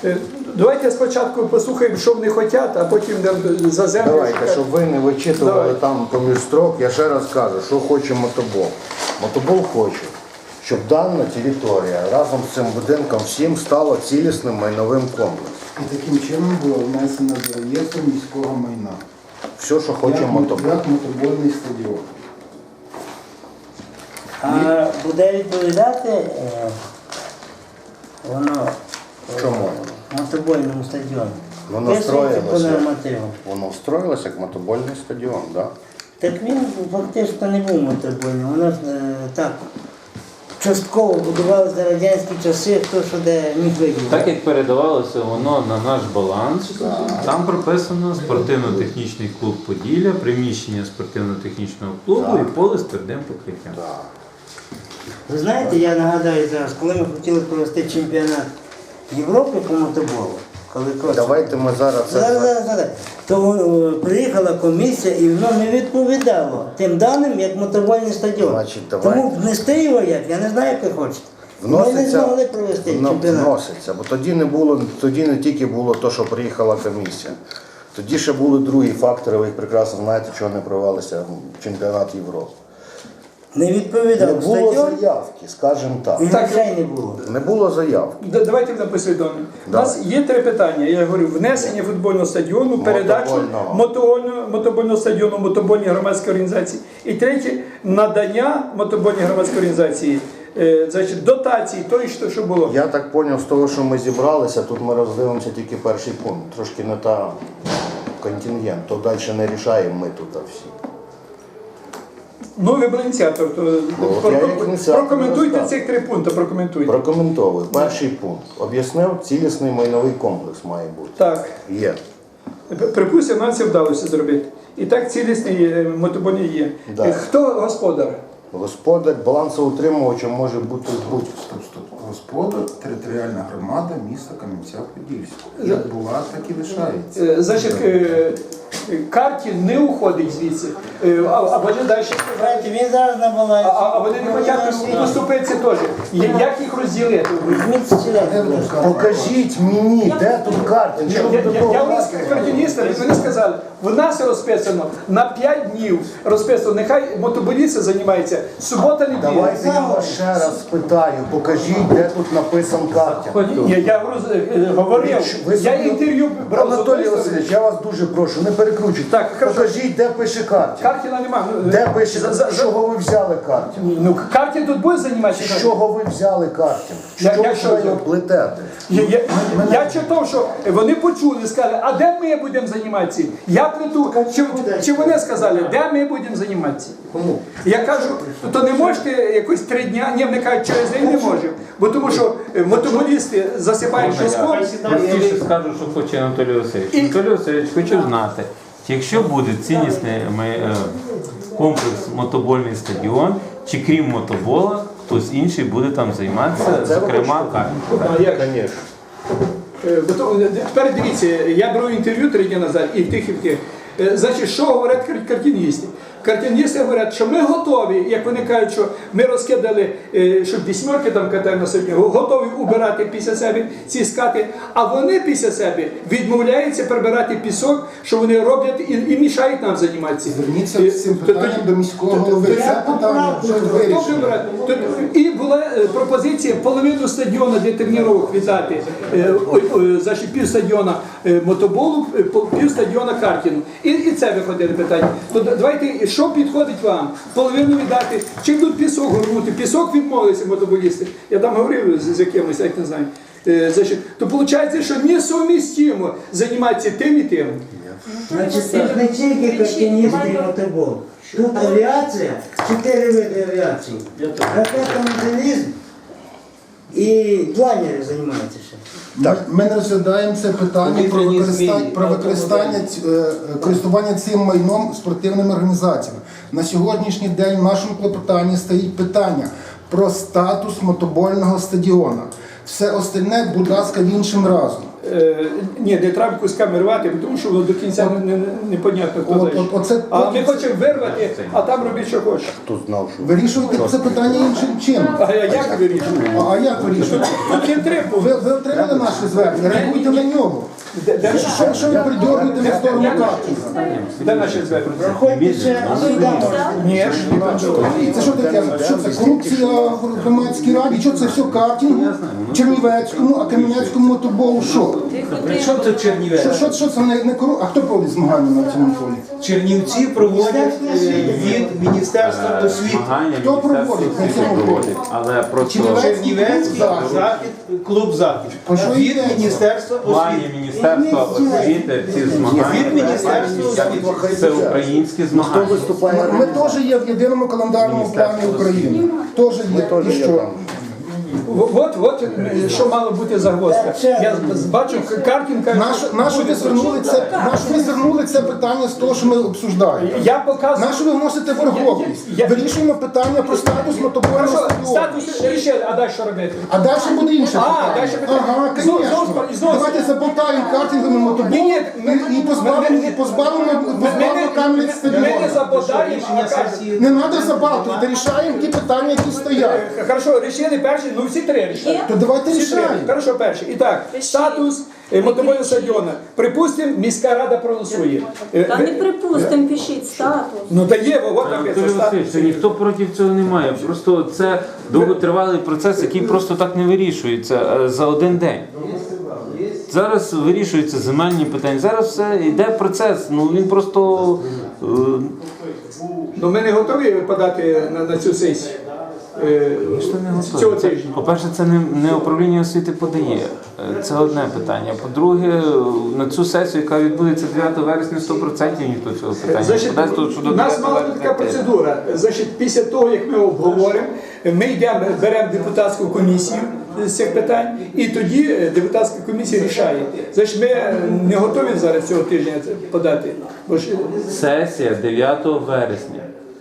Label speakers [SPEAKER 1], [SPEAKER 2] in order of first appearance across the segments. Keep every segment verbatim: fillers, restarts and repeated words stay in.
[SPEAKER 1] Давайте спочатку послухаємо, що вони хочуть, а потім за землю.
[SPEAKER 2] Давайте, щоб ви не вичитували Давай. там поміж строк, я ще раз кажу, що хоче мотобол. Мотобол хоче, щоб дана територія разом з цим будинком всім стала цілісним майновим комплексом.
[SPEAKER 3] І таким чином було внесено до реєстру міського майна.
[SPEAKER 2] Все, що хоче
[SPEAKER 3] як,
[SPEAKER 2] мотобол.
[SPEAKER 3] Як мотобольний стадіон.
[SPEAKER 4] А буде відповідати е, воно
[SPEAKER 2] Чому?
[SPEAKER 4] мотобольному стадіону?
[SPEAKER 2] Воно
[SPEAKER 4] Пишеться по
[SPEAKER 2] строїлося,
[SPEAKER 4] нормативам.
[SPEAKER 2] воно строїлося як мотобольний стадіон, так? Да?
[SPEAKER 4] Так він фактично не був мотобольним. Воно ж е, так частково будувалося за радянські часи, хто що де міг виділити.
[SPEAKER 5] Так як передавалося воно на наш баланс, там прописано спортивно-технічний клуб Поділля, приміщення спортивно-технічного клубу
[SPEAKER 2] Так.
[SPEAKER 5] і поле з твердим покриттям.
[SPEAKER 2] Да.
[SPEAKER 4] Ви знаєте, я нагадаю зараз, коли ми хотіли провести чемпіонат Європи по мотоболу, коли Кросс-
[SPEAKER 2] Давайте ми зараз це...
[SPEAKER 4] Зараз, зараз, зараз. То е, приїхала комісія і воно не відповідало тим даним, як мотобольний стадіон.
[SPEAKER 2] Значить, давайте.
[SPEAKER 4] Тому внести його як, я не знаю, як ви хочете. Ми не
[SPEAKER 2] Вноситься,
[SPEAKER 4] змогли провести
[SPEAKER 2] вно-
[SPEAKER 4] чемпіонат.
[SPEAKER 2] вноситься, бо тоді не було, тоді не тільки було те, що приїхала комісія. Тоді ще були другі фактори, ви їх прекрасно знаєте, чого не провелися чемпіонат Європи.
[SPEAKER 4] Не
[SPEAKER 2] Не
[SPEAKER 4] відповідав
[SPEAKER 2] було
[SPEAKER 4] стадіон
[SPEAKER 2] заявки, скажімо так.
[SPEAKER 4] і
[SPEAKER 1] Так.
[SPEAKER 4] грошей не було.
[SPEAKER 2] Не було заявки.
[SPEAKER 1] Д- Давайте будемо послідовними. У
[SPEAKER 2] Давай.
[SPEAKER 1] нас є три питання. Я говорю, внесення футбольного стадіону, передачу
[SPEAKER 2] Мотобольного.
[SPEAKER 1] мотобольного, мотобольного стадіону мотобольній громадській організації. І третє, надання мотобольній громадській організації е, значить, дотації, тої, що, що було.
[SPEAKER 2] Я так зрозумів, з того, що ми зібралися, тут ми роздивимося тільки перший пункт. Трошки не та контингент, то далі не рішаємо ми тут всі.
[SPEAKER 1] Ну, ви були ініціатор, то
[SPEAKER 2] От я як ініціатор
[SPEAKER 1] прокоментуйте
[SPEAKER 2] розказую.
[SPEAKER 1] цих три пункти, прокоментуйте.
[SPEAKER 2] Прокоментовую. Перший пункт. Об'яснив, цілісний майновий комплекс має бути.
[SPEAKER 1] Так.
[SPEAKER 2] Є.
[SPEAKER 1] Припустимо, нам це вдалося зробити. І так цілісний е, мотобольний є.
[SPEAKER 2] Да.
[SPEAKER 1] Е, Хто господар?
[SPEAKER 2] Господар балансоутримувачем може бути будь-хто.
[SPEAKER 3] Стоп, стоп. Господар, територіальна громада міста Кам'янця-Подільського. Як була, так і лишається.
[SPEAKER 1] Е, Значить, е, Картін не уходить звідси, Е, а, а вони далі.
[SPEAKER 4] Знаєте, він зараз на
[SPEAKER 1] А,
[SPEAKER 4] балансі.
[SPEAKER 1] а а вони не хочуть поступитися теж. Я- Як їх розділити?
[SPEAKER 4] Візьміть стілець, будь ласка.
[SPEAKER 2] Покажіть мені, де тут карти.
[SPEAKER 1] Я,
[SPEAKER 2] Що ви
[SPEAKER 1] я,
[SPEAKER 2] до
[SPEAKER 1] я,
[SPEAKER 2] того
[SPEAKER 1] я
[SPEAKER 2] ласка?
[SPEAKER 1] картиністам, вони сказали, в нас розписано на п'ять днів розписано, нехай мотоболісти займаються, субота, неділя.
[SPEAKER 2] Давайте я вас ще раз спитаю, покажіть, де тут написан картинг.
[SPEAKER 1] Я, я говорю, е, говорив,
[SPEAKER 2] Ви
[SPEAKER 1] я
[SPEAKER 2] собі-
[SPEAKER 1] інтерв'ю брав з
[SPEAKER 2] Анатолій
[SPEAKER 1] одної сторони.
[SPEAKER 2] Васильович, я вас дуже прошу, не перекручуйте.
[SPEAKER 1] Так, хорошо.
[SPEAKER 2] Покажіть, де пише картинг.
[SPEAKER 1] Картіна нема. Ну,
[SPEAKER 2] Де пише,
[SPEAKER 1] за- за-
[SPEAKER 2] з чого ви взяли картинг?
[SPEAKER 1] Ну, Картін тут буде займатися?
[SPEAKER 2] З чого ви взяли картинг?
[SPEAKER 1] Я-
[SPEAKER 2] Що
[SPEAKER 1] я
[SPEAKER 2] ви
[SPEAKER 1] що
[SPEAKER 2] його
[SPEAKER 1] взяв?
[SPEAKER 2] плетете?
[SPEAKER 1] Я, я, я читав, що вони почули, сказали, а де ми будемо займатися? Я плету, чи, чи вони сказали, де ми будемо займатися?
[SPEAKER 2] Кому?
[SPEAKER 1] Я кажу, то не можете якось три дня, ні, вони кажуть, через день не можемо, бо тому що е, мотоболісти засипають піском.
[SPEAKER 5] Простіше скажу, що хоче Анатолій Васильович.
[SPEAKER 1] І-
[SPEAKER 5] Анатолій Васильович, хочу знати, якщо буде ціннісний ми, е, комплекс мотобольний стадіон, чи крім мотобола, хтось інший буде там займатися,
[SPEAKER 2] Це ви
[SPEAKER 5] зокрема
[SPEAKER 2] хочете?
[SPEAKER 5] картинг.
[SPEAKER 1] А як?
[SPEAKER 2] Звісно.
[SPEAKER 1] Е, бо то- е, Тепер дивіться, я брав інтерв'ю три дні назад і в тих, і в тих. Е, Значить, що говорять кар- картиністи? Картиністи говорять, що ми готові, як вони кажуть, що ми розкидали, е, що вісьмерки там катаємо на сьогодні, готові убирати після себе ці скати, а вони після себе відмовляються прибирати пісок, що вони роблять і, і мішають нам займатися.
[SPEAKER 3] Зверніться
[SPEAKER 1] Е,
[SPEAKER 3] з цим
[SPEAKER 1] то-
[SPEAKER 3] питанням
[SPEAKER 1] тоді-
[SPEAKER 3] до міського
[SPEAKER 1] то- то-
[SPEAKER 3] голови.
[SPEAKER 1] то-
[SPEAKER 3] Це питання вже
[SPEAKER 1] Хто
[SPEAKER 3] вирішено.
[SPEAKER 1] прибирає? Тут- І була е, пропозиція половину стадіону для тренувань віддати, е, ой, ой, значить пів стадіона е, мотоболу, е, пол- пів стадіона картіну. І, і це виходило питання. То да- давайте, що підходить вам? Половину віддати, чи будуть пісок горнути? Пісок відмовилися мотоболісти. Я там говорив з, з якимось, я не знаю. Е, значить, то виходить, що несумістимо займатися тим і тим.
[SPEAKER 4] Значить, це ж не тільки картиністи і мотобол. Тут авіація, чотири види авіації. Ракетомеханізм і планери займаються ще.
[SPEAKER 3] Ми, ми не розглядаємо це питання про використання, про використання ць- е, користування цим майном спортивними організаціями. На сьогоднішній день в нашому клопотанні стоїть питання про статус мотобольного стадіона. Все остальне, будь ласка, іншим разом.
[SPEAKER 1] Е, ні, не треба кусками рвати, тому що воно до кінця не, не, непонятно, хто
[SPEAKER 3] От-
[SPEAKER 1] далі.
[SPEAKER 3] от- оце
[SPEAKER 1] А ми
[SPEAKER 3] потім-
[SPEAKER 1] хочемо вирвати, а там робіть, що хочеш.
[SPEAKER 2] Хто знав, що
[SPEAKER 3] Вирішуйте це питання іншим чином.
[SPEAKER 1] А я як вирішую?
[SPEAKER 3] А, а як вирішуєте?
[SPEAKER 1] Тут є три
[SPEAKER 3] Ви,
[SPEAKER 1] пункти.
[SPEAKER 3] ви отримали наше звернення, реагуйте на нього.
[SPEAKER 1] Де, де,
[SPEAKER 3] Що, що ви придьоргуєте на сторону Каркіна?
[SPEAKER 1] де наші звернення?
[SPEAKER 4] Проходьте ще сюди можна.
[SPEAKER 1] Ні,
[SPEAKER 3] Це що таке? Що це? Корупція в громадській раді? Що це все картингу? Чернівецькому, а Кам'янецькому мотоболу що?
[SPEAKER 6] При чому тут
[SPEAKER 3] Що,
[SPEAKER 6] Чернівець?
[SPEAKER 3] що, що це не, не кору... А хто проводить змагання на цьому полі?
[SPEAKER 6] Чернівці проводять е, від Міністерства освіти.
[SPEAKER 5] Змагання
[SPEAKER 3] Хто
[SPEAKER 5] Міністерство
[SPEAKER 3] проводить на
[SPEAKER 5] освіти
[SPEAKER 3] цьому
[SPEAKER 5] проводить, але просто
[SPEAKER 3] Чернівець?
[SPEAKER 6] Чернівецький
[SPEAKER 3] Захід.
[SPEAKER 6] захід, клуб захід.
[SPEAKER 3] Про що
[SPEAKER 6] Від
[SPEAKER 3] йдеться?
[SPEAKER 6] Міністерства
[SPEAKER 5] в плані
[SPEAKER 6] освіти.
[SPEAKER 5] Міністерства освіти ці
[SPEAKER 6] Від
[SPEAKER 5] змагання
[SPEAKER 6] Міністерства освіти.
[SPEAKER 5] це українські
[SPEAKER 2] хто
[SPEAKER 5] змагання.
[SPEAKER 2] виступає
[SPEAKER 3] Ми, ми теж є в єдиному календарному плані України. Теж є.
[SPEAKER 2] теж
[SPEAKER 3] І
[SPEAKER 2] є
[SPEAKER 3] що?
[SPEAKER 2] там.
[SPEAKER 1] от, от е, що мало бути загвоздка. Я з- бачу, Каркін каже,
[SPEAKER 3] Нащо нащо ви звернули це? Нащо ви звернули це питання з того, що ми обсуждаємо?
[SPEAKER 1] я показую.
[SPEAKER 3] Нащо ви вносите верховність?
[SPEAKER 1] Я- я-
[SPEAKER 3] Вирішуємо питання про статус мотобольного
[SPEAKER 1] Хорошо,
[SPEAKER 3] стадіону.
[SPEAKER 1] статус рішили, а далі що робити?
[SPEAKER 3] А далі буде інше
[SPEAKER 1] А,
[SPEAKER 3] питання.
[SPEAKER 1] далі питання.
[SPEAKER 3] Ага,
[SPEAKER 1] Знов-
[SPEAKER 3] звісно.
[SPEAKER 1] знов- знов-
[SPEAKER 3] Давайте заболтаємо картинговим
[SPEAKER 1] Ні,
[SPEAKER 3] мотоболом
[SPEAKER 1] ні, ми-
[SPEAKER 3] і, і позбавимо,
[SPEAKER 1] ми- ми-
[SPEAKER 3] і позбавимо,
[SPEAKER 1] Ми
[SPEAKER 3] позбавимо
[SPEAKER 1] не,
[SPEAKER 3] Кам'янець
[SPEAKER 1] ми
[SPEAKER 3] стадіону.
[SPEAKER 1] не забодаємо, а
[SPEAKER 6] Рішення
[SPEAKER 1] кажемо.
[SPEAKER 6] сесії.
[SPEAKER 3] Не треба забалтувати, рішаємо ті питання, які стоять.
[SPEAKER 1] Е, Хорошо, рішили перші, ну всі три рішили.
[SPEAKER 3] То давайте
[SPEAKER 1] Всі три.
[SPEAKER 3] рішаємо.
[SPEAKER 1] Хорошо, перший. І так, статус е, мотобойного стадіону. Припустимо, міська рада проголосує. Е,
[SPEAKER 7] Та
[SPEAKER 1] ви-
[SPEAKER 7] не припустимо, пишіть статус.
[SPEAKER 1] Ну дає, от
[SPEAKER 5] Анатолій
[SPEAKER 1] написано
[SPEAKER 5] Васильович,
[SPEAKER 1] статус.
[SPEAKER 5] ніхто проти цього не має. Просто це довготривалий процес, який просто так не вирішується е, за один день. Зараз вирішуються земельні питання. Зараз все йде процес. Ну він просто е,
[SPEAKER 1] Ну ми не готові подати на, на цю сесію. Е,
[SPEAKER 5] що не
[SPEAKER 1] Цього
[SPEAKER 5] готові. Це,
[SPEAKER 1] тижня.
[SPEAKER 5] по-перше, це не, не управління освіти подає. Е, Це одне питання. По-друге, на цю сесію, яка відбудеться дев'ятого вересня, сто відсотків ніхто цього питання не
[SPEAKER 1] Значить,
[SPEAKER 5] подасть, тому що до
[SPEAKER 1] у нас
[SPEAKER 5] дев'ятого
[SPEAKER 1] мала бути така
[SPEAKER 5] вересня теж.
[SPEAKER 1] процедура. Значить, після того, як ми обговоримо, ми йдемо, беремо депутатську комісію з цих питань, і тоді е, депутатська комісія рішає. Значить, ми е, не готові зараз цього тижня це подати. Бо ж, е,
[SPEAKER 5] Сесія дев'ятого вересня.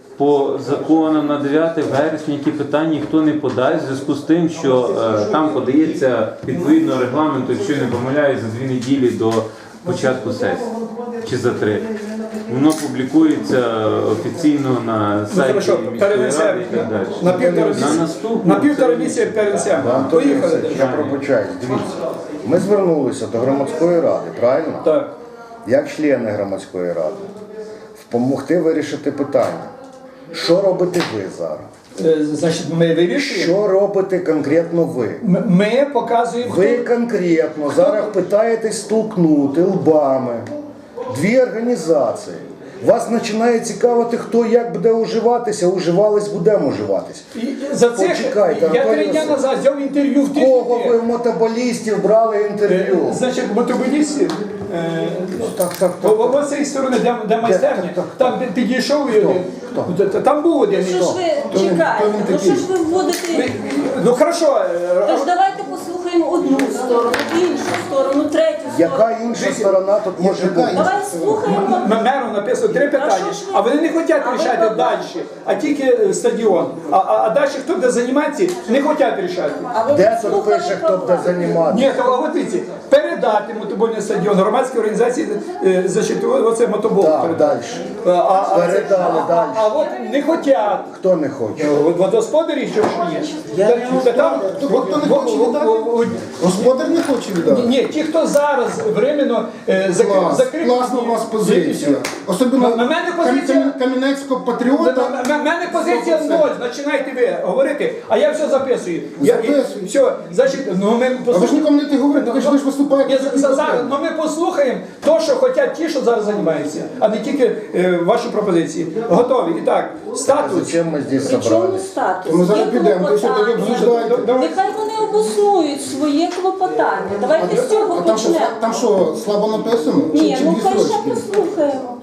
[SPEAKER 5] По законам на дев'яте вересня, які питання ніхто не подасть, в зв'язку з тим, що е, там подається відповідно регламенту, якщо я не помиляюсь, за дві неділі до початку сесії чи за три. Воно публікується офіційно на
[SPEAKER 1] ну,
[SPEAKER 5] сайті
[SPEAKER 1] хорошо,
[SPEAKER 5] міської
[SPEAKER 1] перенесемо.
[SPEAKER 5] ради і так далі.
[SPEAKER 1] На півтора
[SPEAKER 5] На
[SPEAKER 1] місяця.
[SPEAKER 5] наступну
[SPEAKER 1] На півтора місяця перенесемо.
[SPEAKER 2] Анатолій
[SPEAKER 1] Поїхали.
[SPEAKER 2] Васильович, я пробачаюсь, дивіться. Ми звернулися до громадської ради, правильно?
[SPEAKER 1] Так.
[SPEAKER 2] Як члени громадської ради, допомогти вирішити питання. Що робите ви зараз?
[SPEAKER 1] Е, Значить, ми вирішуємо.
[SPEAKER 2] Що робите конкретно ви?
[SPEAKER 1] М- Ми показуємо.
[SPEAKER 2] Ви
[SPEAKER 1] хто-
[SPEAKER 2] конкретно зараз питаєтесь столкнути лбами дві організації. Вас починає цікавити, хто як буде уживатися, уживались, будемо уживатися.
[SPEAKER 1] І за це
[SPEAKER 2] Почекайте,
[SPEAKER 1] я
[SPEAKER 2] Анатолій
[SPEAKER 1] три дня
[SPEAKER 2] Васильович.
[SPEAKER 1] назад взяв інтерв'ю в
[SPEAKER 2] Кого ви
[SPEAKER 1] тижні.
[SPEAKER 2] в мотоболістів брали інтерв'ю?
[SPEAKER 1] Значить, мотоболістів. е,
[SPEAKER 2] Так, так,
[SPEAKER 1] О-
[SPEAKER 2] так.
[SPEAKER 1] о- Ось цієї сторони, де, де майстерня,
[SPEAKER 2] так, так,
[SPEAKER 1] там де підійшов і один. Т- т- Там був один.
[SPEAKER 7] Що ж ви чекаєте? Ну що ж ви вводите?
[SPEAKER 1] Ну хорошо, е,
[SPEAKER 7] Тож давайте послухаємо одну сторону, іншу сторону, третю
[SPEAKER 2] Яка
[SPEAKER 7] сторону.
[SPEAKER 2] інша сторона тут може бути?
[SPEAKER 7] Давай слухаємо.
[SPEAKER 1] м- меру написано три питання,
[SPEAKER 7] що ж ви-
[SPEAKER 1] а вони не хочуть
[SPEAKER 7] А ви
[SPEAKER 1] рішати
[SPEAKER 7] про-
[SPEAKER 1] далі, а тільки е, стадіон. А, а, а далі хто буде займатися, не хочуть рішати.
[SPEAKER 7] А ви
[SPEAKER 2] Де тут
[SPEAKER 7] слухали
[SPEAKER 2] пише,
[SPEAKER 7] про
[SPEAKER 2] хто буде
[SPEAKER 7] владу?
[SPEAKER 2] займатися?
[SPEAKER 1] Ні, то а от дивіться, передати мотобольний стадіон громадській організації е, значить, о- оце мотобол.
[SPEAKER 2] Так,
[SPEAKER 1] передати.
[SPEAKER 2] далі.
[SPEAKER 1] А, а, а,
[SPEAKER 2] Передали
[SPEAKER 1] а,
[SPEAKER 2] далі.
[SPEAKER 1] а от не хочуть.
[SPEAKER 2] Хто не хоче?
[SPEAKER 1] От Водосподарі, що ж є?
[SPEAKER 4] Я
[SPEAKER 1] Та-
[SPEAKER 4] не
[SPEAKER 1] та там-
[SPEAKER 3] Хто- хто не
[SPEAKER 1] во-
[SPEAKER 3] хоче
[SPEAKER 1] во-
[SPEAKER 3] віддати?
[SPEAKER 1] во- во-
[SPEAKER 3] Господар не хоче
[SPEAKER 1] Ні,
[SPEAKER 3] віддати.
[SPEAKER 1] ні, ті, хто зараз временно е, закрив,
[SPEAKER 3] Клас,
[SPEAKER 1] закрив.
[SPEAKER 3] класна у вас позиція. Особливо
[SPEAKER 1] На- на мене позиція-
[SPEAKER 3] Кам- Кам'янецького
[SPEAKER 1] У
[SPEAKER 3] патріота.
[SPEAKER 1] мене позиція ноль, починайте ви говорити, а я все записую. Я, і-
[SPEAKER 3] Записуй.
[SPEAKER 1] все, значить, ну ми
[SPEAKER 3] А ви ж
[SPEAKER 1] послухаємо.
[SPEAKER 3] нікому не те говорите, ви ж ви ж
[SPEAKER 1] Ні,
[SPEAKER 3] виступаєте.
[SPEAKER 1] за- за- зараз, ну ми послухаємо то, що хочуть ті, що зараз займаються, а не тільки е, ваші пропозиції. Готові. І так, статус.
[SPEAKER 2] Зачем ми здесь
[SPEAKER 7] При чому
[SPEAKER 2] собрались?
[SPEAKER 7] статус?
[SPEAKER 3] Ми зараз
[SPEAKER 7] Є
[SPEAKER 3] підемо, то що таке
[SPEAKER 7] клопотання.
[SPEAKER 3] обсуждаєте?
[SPEAKER 7] Нехай вони обоснують своє клопотання. Давайте з цього
[SPEAKER 3] А там що,
[SPEAKER 7] почнемо.
[SPEAKER 3] там що, слабо написано? Чи,
[SPEAKER 7] Ні,
[SPEAKER 3] чи
[SPEAKER 7] ну
[SPEAKER 3] дві
[SPEAKER 7] хай ще
[SPEAKER 3] строчки?
[SPEAKER 7] послухаємо.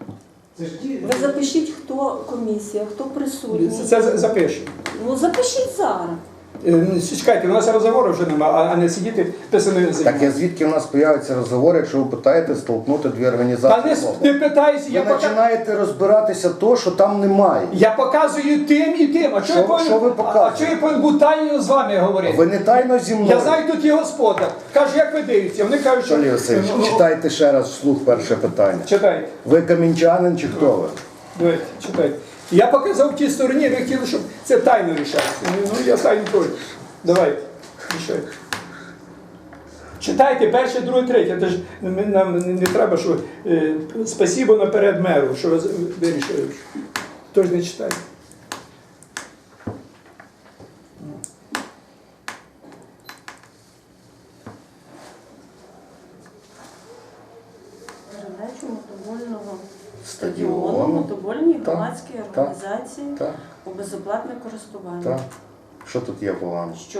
[SPEAKER 7] Ви запишіть, хто комісія, хто присутній.
[SPEAKER 1] Це за- запишемо.
[SPEAKER 7] Ну запишіть зараз.
[SPEAKER 1] Е, Чекайте, у нас розговору вже немає, а- а не сидіти писаною
[SPEAKER 2] Так
[SPEAKER 1] заявою.
[SPEAKER 2] я звідки в нас з'являється розговор, якщо ви питаєте столкнути дві
[SPEAKER 1] Та
[SPEAKER 2] організації?
[SPEAKER 1] не,
[SPEAKER 2] в
[SPEAKER 1] не
[SPEAKER 2] область?
[SPEAKER 1] питаюся, я,
[SPEAKER 2] Ви
[SPEAKER 1] пока...
[SPEAKER 2] починаєте розбиратися то, що там немає.
[SPEAKER 1] я показую тим і тим. А
[SPEAKER 2] Що-
[SPEAKER 1] чого я повинен-
[SPEAKER 2] що ви
[SPEAKER 1] а-
[SPEAKER 2] показуєте?
[SPEAKER 1] А чого я повинен бути тайно з вами говорити?
[SPEAKER 2] Ви не тайно зі мною.
[SPEAKER 1] Я знаю, тут є господар. Каже, як ви дивитеся? Вони кажуть, що...
[SPEAKER 2] Олексій Васильович,
[SPEAKER 1] Ну,
[SPEAKER 2] читайте ще раз вслух перше питання.
[SPEAKER 1] Читайте.
[SPEAKER 2] Ви камінчанин чи хто ви?
[SPEAKER 1] Давайте, читайте. Я показав тій стороні, ви хотіли, щоб це тайно рішалося. Ну, я тайно теж. Давайте, рішайте. Читайте перше, друге, третє. Це ж ми- нам не, не треба, що е, спасибо наперед меру, що ви з- вирішили. Тож не читайте.
[SPEAKER 8] Передачу мотобольного
[SPEAKER 2] Стадіону.
[SPEAKER 8] стадіону мотобольній
[SPEAKER 2] Так,
[SPEAKER 8] громадській
[SPEAKER 2] так,
[SPEAKER 8] організації
[SPEAKER 2] Так,
[SPEAKER 8] у безоплатне користування.
[SPEAKER 2] так. Що тут є погано?
[SPEAKER 8] Що?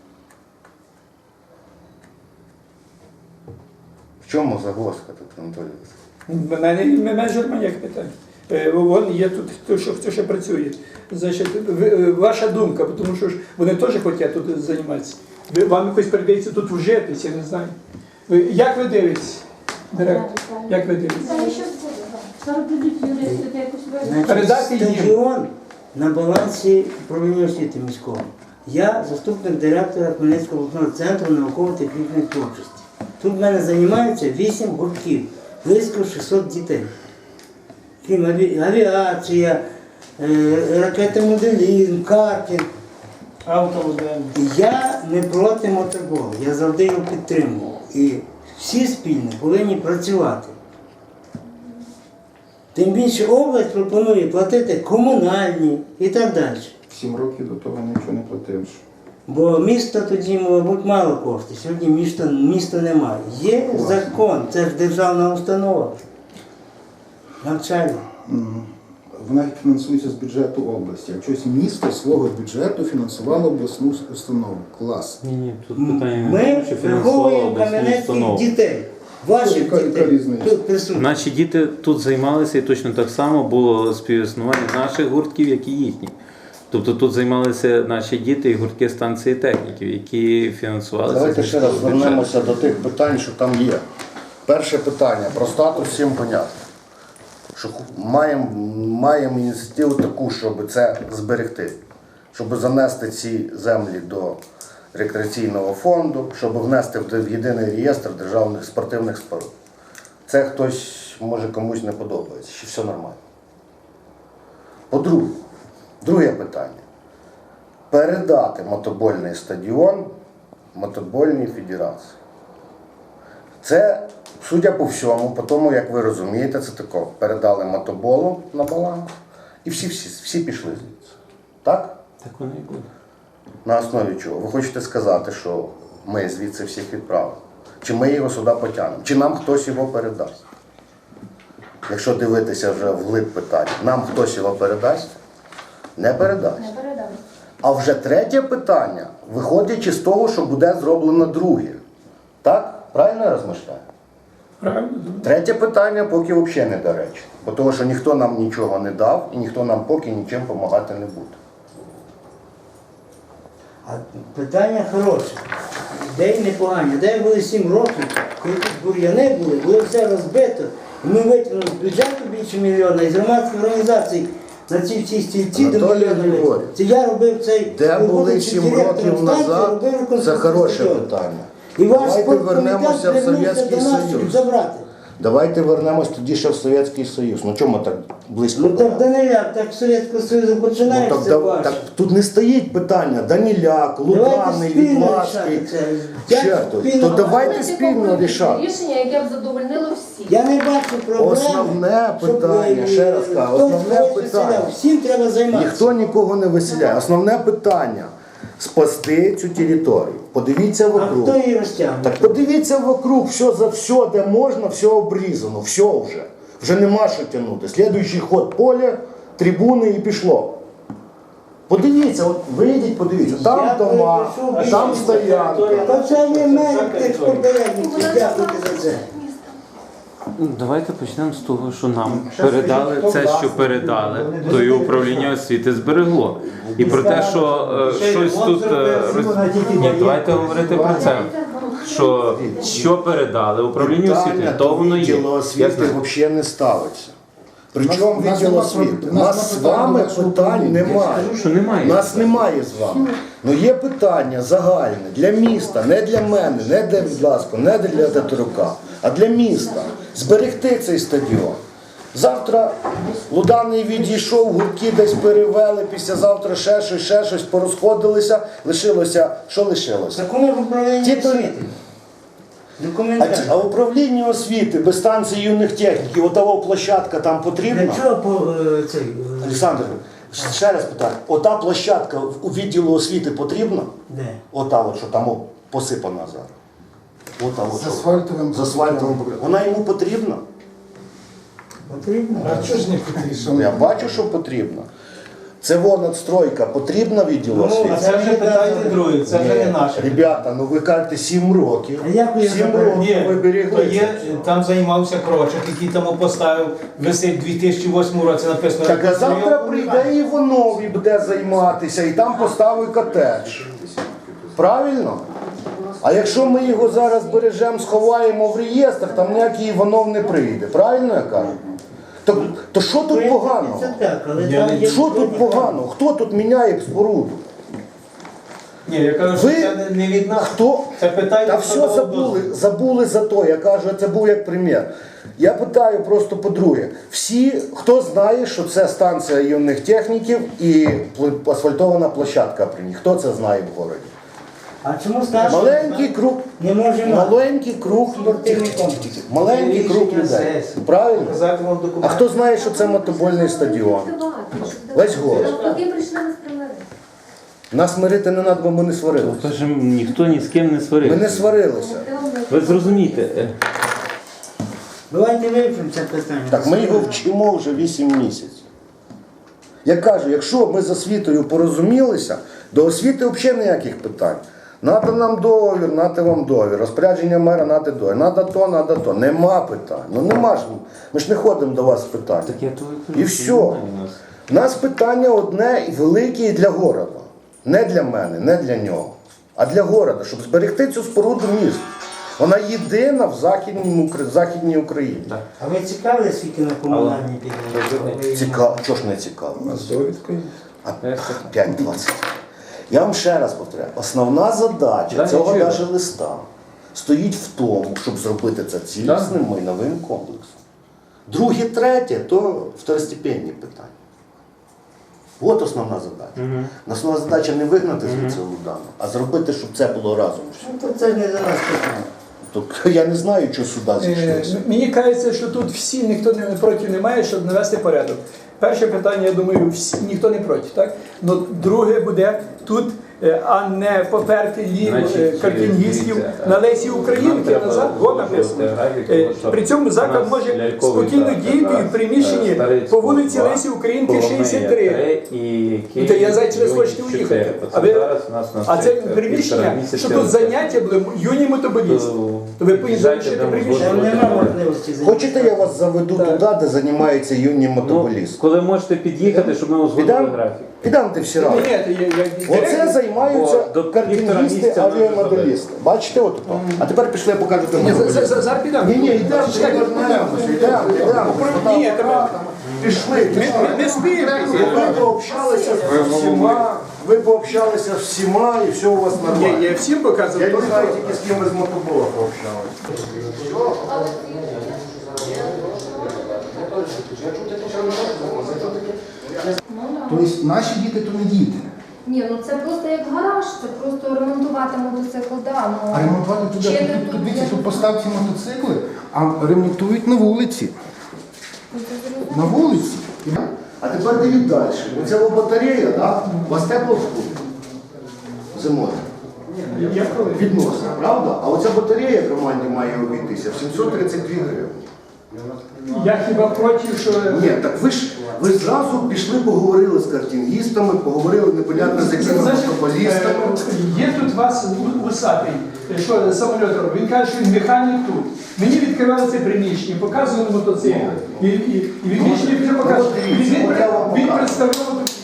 [SPEAKER 2] В чому загвоздка тут, Анатолій Васильович?
[SPEAKER 1] В мене не менше ніяких питань. Е, Вон є тут хто що, хто ще працює. Значить, ви- е, ваша думка, тому що ж вони теж хочуть тут займатися. Ви, вам якось передається тут вжитись, я не знаю. Ви, як ви дивитесь, директор? Як ви дивитесь?
[SPEAKER 7] Зараз будуть юристи, ти якось вирішити.
[SPEAKER 4] Значить,
[SPEAKER 1] Передати їм.
[SPEAKER 4] стадіон на балансі управління освіти міського. Я заступник директора Хмельницького обласного центру науково-технічної творчості. Тут в мене займаються вісім гуртків, близько шістсот дітей. Крім аві- авіація, е, ракетомоделізм, картинг.
[SPEAKER 6] Автомобіль.
[SPEAKER 4] Я не проти мотоболу, я завжди його підтримую. І всі спільно повинні працювати. Тим більше область пропонує платити комунальні і так далі.
[SPEAKER 3] Сім років до того нічого не платив.
[SPEAKER 4] Бо місто тоді, мабуть, мало коштів. Сьогодні міста, міста немає. Є закон, це ж державна установа. Навчальна.
[SPEAKER 3] Вона фінансується з бюджету області. А щось місто свого бюджету фінансувало обласну установу. Клас.
[SPEAKER 5] Ні, ні, тут питання не в
[SPEAKER 4] Ми
[SPEAKER 5] тому, що фінансувала
[SPEAKER 4] виховуємо
[SPEAKER 5] обласну
[SPEAKER 4] кам'янецьких
[SPEAKER 5] установу.
[SPEAKER 4] дітей. Ваших
[SPEAKER 3] Яка- яка
[SPEAKER 4] дітей
[SPEAKER 3] різниця?
[SPEAKER 4] тут присутні.
[SPEAKER 5] Наші діти тут займалися і точно так само було співіснування наших гуртків, як і їхніх. Тобто тут займалися наші діти і гуртки станції техніків, які фінансувалися.
[SPEAKER 2] Давайте
[SPEAKER 5] з
[SPEAKER 2] ще раз
[SPEAKER 5] міського бюджету.
[SPEAKER 2] вернемося до тих питань, що там є. Перше питання про статус всім понятно. Що ху- маємо, маємо ініціативу таку, щоб це зберегти, щоб занести ці землі до рекреаційного фонду, щоб внести в єдиний реєстр державних спортивних споруд. Це хтось, може, комусь не подобається, чи все нормально. По-друге, друге питання. Передати мотобольний стадіон мотобольній федерації. Це, судя по всьому, по тому, як ви розумієте, це тако. Передали мотоболу на баланс і всі, всі, всі пішли звідси. Так?
[SPEAKER 5] Так воно і буде.
[SPEAKER 2] На основі чого? Ви хочете сказати, що ми звідси всіх відправимо? Чи ми його сюди потягнемо? Чи нам хтось його передасть? Якщо дивитися вже вглиб питання, нам хтось його передасть? Не передасть.
[SPEAKER 7] Не передам.
[SPEAKER 2] А вже третє питання, виходячи з того, що буде зроблено друге. Так? Правильно я розмишляю?
[SPEAKER 1] Правильно?
[SPEAKER 2] Третє питання поки взагалі не до речі. Бо того, що ніхто нам нічого не дав і ніхто нам поки нічим допомагати не буде.
[SPEAKER 4] А питання хороше. Ідеї непогані. Де були сім років, коли тут бур'яни були, було все розбито. І ми витягнули з бюджету більше мільйона і з громадських організацій на ці всі стільці до
[SPEAKER 2] Анатолій
[SPEAKER 4] мільйона.
[SPEAKER 2] Григорійович,
[SPEAKER 4] Це я робив цей
[SPEAKER 2] Де були
[SPEAKER 4] будучи
[SPEAKER 2] сім
[SPEAKER 4] директором
[SPEAKER 2] років
[SPEAKER 4] станції,
[SPEAKER 2] назад,
[SPEAKER 4] робив
[SPEAKER 2] це
[SPEAKER 4] реконструкцію
[SPEAKER 2] хороше
[SPEAKER 4] стадіону.
[SPEAKER 2] питання.
[SPEAKER 4] І ваш
[SPEAKER 2] Давайте
[SPEAKER 4] спорткомітет
[SPEAKER 2] вернемося в
[SPEAKER 4] звернувся
[SPEAKER 2] Совєтський
[SPEAKER 4] до нас, щоб
[SPEAKER 2] Союз.
[SPEAKER 4] забрати.
[SPEAKER 2] Давайте вернемось тоді ще в Совєтський Союз. Ну чому так близько?
[SPEAKER 4] Ну так Даниляк, так Совєтського Союзу
[SPEAKER 2] Ну,
[SPEAKER 4] починається
[SPEAKER 2] так,
[SPEAKER 4] це
[SPEAKER 2] да-
[SPEAKER 4] ваше.
[SPEAKER 2] так тут не стоїть питання Даніляк,
[SPEAKER 4] Давайте
[SPEAKER 2] Луганий,
[SPEAKER 4] спільно
[SPEAKER 2] Відласький.
[SPEAKER 4] рішати це.
[SPEAKER 2] Ще
[SPEAKER 4] Як
[SPEAKER 2] тут.
[SPEAKER 4] спільно?
[SPEAKER 2] То давайте
[SPEAKER 7] Можна
[SPEAKER 2] спільно
[SPEAKER 7] таке
[SPEAKER 2] рішати.
[SPEAKER 7] рішення, яке б задовольнило всіх.
[SPEAKER 4] Я не бачу проблеми.
[SPEAKER 2] Основне
[SPEAKER 4] щоб,
[SPEAKER 2] питання,
[SPEAKER 4] е,
[SPEAKER 2] ще раз кажу,
[SPEAKER 4] хтось
[SPEAKER 2] основне
[SPEAKER 4] когось
[SPEAKER 2] питання.
[SPEAKER 4] виселяв. Всім треба займатися.
[SPEAKER 2] Ніхто нікого не виселяє. Основне питання спасти цю територію. Подивіться
[SPEAKER 4] А
[SPEAKER 2] вокруг.
[SPEAKER 4] хто її розтягне?
[SPEAKER 2] Так подивіться вокруг, все за все, де можна, все обрізано, все вже. Вже нема що тягнути. Слідуючий ход поля, трибуни і пішло. Подивіться, от вийдіть, подивіться, там
[SPEAKER 4] Я
[SPEAKER 2] дома,
[SPEAKER 4] перепишу
[SPEAKER 2] там
[SPEAKER 4] більше.
[SPEAKER 2] стоянка.
[SPEAKER 4] Та це є мене тих попередників, дякуйте за це.
[SPEAKER 5] Ну, давайте почнемо з того, що нам передали це, що передали, то і управління освіти зберегло. І про те, що е, щось тут е, роз- Ні, давайте говорити про це. Що, що передали управлінню освіти,
[SPEAKER 2] Питання
[SPEAKER 5] то воно є.
[SPEAKER 2] відділу
[SPEAKER 5] Я
[SPEAKER 2] освіти
[SPEAKER 5] знаю.
[SPEAKER 2] взагалі не ставиться. Причому
[SPEAKER 3] У нас
[SPEAKER 2] відділ
[SPEAKER 3] нема
[SPEAKER 2] освіти?
[SPEAKER 3] про-
[SPEAKER 2] У
[SPEAKER 3] у нас
[SPEAKER 2] нас з
[SPEAKER 3] нема питань
[SPEAKER 2] вами
[SPEAKER 3] до вашого
[SPEAKER 2] питань
[SPEAKER 3] управління.
[SPEAKER 2] немає.
[SPEAKER 5] Кажу, що немає.
[SPEAKER 2] У нас немає з вами. Ну є питання загальне для міста, не для мене, не для Відласко, не для Татарука, а для міста. Зберегти цей стадіон. Завтра Луданий відійшов, гуртки десь перевели, післязавтра ще щось, ще щось, порозходилися, лишилося, що лишилося?
[SPEAKER 4] Закони в управлінні
[SPEAKER 2] Ті то-
[SPEAKER 4] освіти.
[SPEAKER 2] А,
[SPEAKER 4] Документально.
[SPEAKER 2] ті- а управління освіти без станції юних техніків, отова площадка там потрібна?
[SPEAKER 4] Для чого по е, цей? е,
[SPEAKER 2] Олександр, ще раз питаю, ота площадка в- у відділу освіти потрібна?
[SPEAKER 4] Де?
[SPEAKER 2] Ота, от, що там о, посипана зараз. Ота, от,
[SPEAKER 3] З
[SPEAKER 2] що-
[SPEAKER 3] асфальтовим
[SPEAKER 2] з асфальтовим покриттям. Вона йому потрібна?
[SPEAKER 4] Потрібно?
[SPEAKER 3] А чого ж не потрібно?
[SPEAKER 2] Я бачу, що потрібна. Це вон надстройка потрібна відділу
[SPEAKER 4] Ну,
[SPEAKER 2] освіти?
[SPEAKER 6] А це вже питання друге, це вже не наше.
[SPEAKER 2] Ребята, ну ви кажете сім років.
[SPEAKER 4] А як ви його
[SPEAKER 2] Сім
[SPEAKER 4] заберете?
[SPEAKER 2] років ви
[SPEAKER 6] Ні,
[SPEAKER 2] берегли.
[SPEAKER 6] то є, там займався Крочок, який там поставив, висить у дві тисячі восьмому році написано.
[SPEAKER 2] Так а завтра прийде Іванов і буде займатися, і там поставить котедж. Правильно? А якщо ми його зараз бережемо, сховаємо в реєстр, там ніякий Іванов не прийде. Правильно я кажу? То, то що тут поганого?
[SPEAKER 4] Це так, але
[SPEAKER 6] Я
[SPEAKER 4] там
[SPEAKER 6] не-
[SPEAKER 4] є...
[SPEAKER 2] Що тут поганого? Хто тут міняє споруду?
[SPEAKER 6] Ні, я кажу,
[SPEAKER 2] Ви-
[SPEAKER 6] що це не- не від нас.
[SPEAKER 2] Хто?
[SPEAKER 6] Це питання.
[SPEAKER 2] Та
[SPEAKER 6] хто
[SPEAKER 2] все
[SPEAKER 6] дав
[SPEAKER 2] забули,
[SPEAKER 6] дозвіл.
[SPEAKER 2] забули за то. Я кажу, це був як прем'єр. Я питаю просто по-друге. Всі, хто знає, що це станція юних техніків і пл- асфальтована площадка при ній? Хто це знає в городі?
[SPEAKER 4] А чому старший?
[SPEAKER 2] Маленький круг,
[SPEAKER 4] Не може мати.
[SPEAKER 2] маленький круг
[SPEAKER 4] Спортивний комплекс.
[SPEAKER 2] маленький круг
[SPEAKER 6] Рішення
[SPEAKER 2] людей.
[SPEAKER 6] сесії.
[SPEAKER 2] Правильно?
[SPEAKER 6] Показати вам
[SPEAKER 2] А
[SPEAKER 6] документи.
[SPEAKER 2] хто знає, що це мотобольний стадіон? Весь город.
[SPEAKER 9] Навпаки, прийшли нас примирити.
[SPEAKER 2] Нас мирити не треба, бо ми не сварилися.
[SPEAKER 5] Тож ніхто ні з ким не
[SPEAKER 2] Ми
[SPEAKER 5] сварився.
[SPEAKER 2] не сварилися.
[SPEAKER 5] Ви зрозумієте, е,
[SPEAKER 4] Давайте вивчимо це питання.
[SPEAKER 2] Так ми його вчимо вже вісім місяців. Я кажу, якщо ми з освітою порозумілися, до освіти взагалі ніяких питань. Надо нам договір, нате вам договір, розпорядження мера, нате договір, надо то, надо то. Нема питань. Ну нема ж. Ми ж не ходимо до вас з питань.
[SPEAKER 5] так я того кажу,
[SPEAKER 2] І
[SPEAKER 5] що
[SPEAKER 2] все.
[SPEAKER 5] немає у нас.
[SPEAKER 2] У нас питання одне і велике і для города. Не для мене, не для нього, а для города, щоб зберегти цю споруду міста. Вона єдина в Західній, Укра- Західній Україні.
[SPEAKER 4] А ви цікаві, скільки на комунальній підтримці?
[SPEAKER 2] Цікаво, чого ж не цікаво? А п'ять двадцять. Я вам ще раз повторяю, основна задача
[SPEAKER 5] Да,
[SPEAKER 2] цього
[SPEAKER 5] я чую.
[SPEAKER 2] навіть листа стоїть в тому, щоб зробити це цілісним майновим комплексом. Друге, третє то второстепенні питання. От основна задача. Основна задача не вигнати звідси Лудану, а зробити, щоб це було разом.
[SPEAKER 4] Ну, то це ж не за нас питання.
[SPEAKER 2] Тобто я не знаю, що сюди
[SPEAKER 1] Е,
[SPEAKER 2] зійшлося.
[SPEAKER 1] Мені кажеться, що тут всі ніхто не проти немає, щоб навести порядок. Перше питання, я думаю, всі, ніхто не проти, так? Но друге буде тут, е, а не поперти лів
[SPEAKER 5] Значить,
[SPEAKER 1] е, картингістів
[SPEAKER 5] дивіться,
[SPEAKER 1] на Лесі
[SPEAKER 5] нам
[SPEAKER 1] Українки
[SPEAKER 5] треба
[SPEAKER 1] назад, во написано.
[SPEAKER 5] узгодити графік,
[SPEAKER 1] Е,
[SPEAKER 5] тому що
[SPEAKER 1] При цьому
[SPEAKER 5] у
[SPEAKER 1] заклад
[SPEAKER 5] нас
[SPEAKER 1] може
[SPEAKER 5] ляльковий
[SPEAKER 1] спокійно
[SPEAKER 5] театр,
[SPEAKER 1] діяти
[SPEAKER 5] так,
[SPEAKER 1] і в приміщенні
[SPEAKER 5] е, Старицького
[SPEAKER 1] по вулиці
[SPEAKER 5] два,
[SPEAKER 1] Лесі Українки
[SPEAKER 5] Коломия
[SPEAKER 1] шістдесят три.
[SPEAKER 5] три і
[SPEAKER 1] Ну, то я знаю, чи ви
[SPEAKER 5] Київ
[SPEAKER 1] хочете
[SPEAKER 5] чотири.
[SPEAKER 1] уїхати.
[SPEAKER 5] Оце
[SPEAKER 1] А ви-
[SPEAKER 5] зараз у нас на
[SPEAKER 1] А це
[SPEAKER 5] цих, е, півтора
[SPEAKER 1] приміщення,
[SPEAKER 5] місяця
[SPEAKER 1] що тут заняття були юні мотоболісти. То ви повинні
[SPEAKER 5] Їжджайте,
[SPEAKER 1] залишити
[SPEAKER 5] там
[SPEAKER 1] приміщення.
[SPEAKER 4] Там
[SPEAKER 5] узгоджувати.
[SPEAKER 4] нема можливості зайняти.
[SPEAKER 2] Хочете, я вас заведу
[SPEAKER 1] Так.
[SPEAKER 2] туди, де займаються юні
[SPEAKER 5] Ну,
[SPEAKER 2] мотоболісти?
[SPEAKER 5] коли можете під'їхати, щоб ми узгодили
[SPEAKER 2] Підемо?
[SPEAKER 5] графік.
[SPEAKER 2] Підемо ти всі
[SPEAKER 1] Ні,
[SPEAKER 2] разом.
[SPEAKER 1] ні, я- я-
[SPEAKER 2] Оце
[SPEAKER 1] директор-
[SPEAKER 2] займаються
[SPEAKER 5] Бо до півтора
[SPEAKER 2] картингісти,
[SPEAKER 5] місяця ми вже
[SPEAKER 2] авіамоделісти. Бачите от то? А тепер пішли, я покажу
[SPEAKER 1] Ні,
[SPEAKER 2] тобі.
[SPEAKER 1] за- за- за- Зараз підемо.
[SPEAKER 2] Ні, ні, йдемо,
[SPEAKER 1] Чекайте,
[SPEAKER 2] йдемо, йдемо, йдемо.
[SPEAKER 1] Ні, треба-
[SPEAKER 2] Пішли, пішли.
[SPEAKER 1] Ми- Не спійтеся.
[SPEAKER 2] Ви пообщалися з всіма, ви пообщалися з всіма і все у вас
[SPEAKER 1] Ні,
[SPEAKER 2] нормально.
[SPEAKER 1] я всім показував.
[SPEAKER 2] Я не
[SPEAKER 1] то,
[SPEAKER 2] знаю
[SPEAKER 1] що-
[SPEAKER 2] тільки з ким ви з мотобола пообщалися.
[SPEAKER 3] Тобто наші діти то не діти.
[SPEAKER 9] Ні, ну це просто як гараж, це просто ремонтувати мотоцикл, да, ну.
[SPEAKER 3] А ремонтувати туди,
[SPEAKER 9] Чи
[SPEAKER 3] тут,
[SPEAKER 9] не
[SPEAKER 3] тут,
[SPEAKER 9] тут,
[SPEAKER 3] дивіться,
[SPEAKER 9] я
[SPEAKER 3] тут
[SPEAKER 9] не
[SPEAKER 3] поставці мотоцикли, а ремонтують на вулиці.
[SPEAKER 9] Ну, це зрозуміло.
[SPEAKER 3] На вулиці.
[SPEAKER 2] А тепер дивіть далі. Оця батарея, так? У вас тепло в школі? Зимою. Відносно, правда? А оця батарея в романі має обійтися в сімсот тридцять дві гривні.
[SPEAKER 1] Я хіба проти, що...
[SPEAKER 2] Ні, так ви ж ви зразу пішли, поговорили з картингістами, поговорили непонятно з якими
[SPEAKER 1] Значить,
[SPEAKER 2] монополістами.
[SPEAKER 1] е, є тут у вас у- усатий, е, що самоліт робить. Він каже, що він механік тут. Мені відкривали це приміщення, показували мотоцикл. І, і, і він більше не показує.
[SPEAKER 2] Ну, от дивіться,
[SPEAKER 1] Він,
[SPEAKER 2] от я вам
[SPEAKER 1] він
[SPEAKER 2] покажу.
[SPEAKER 1] представляв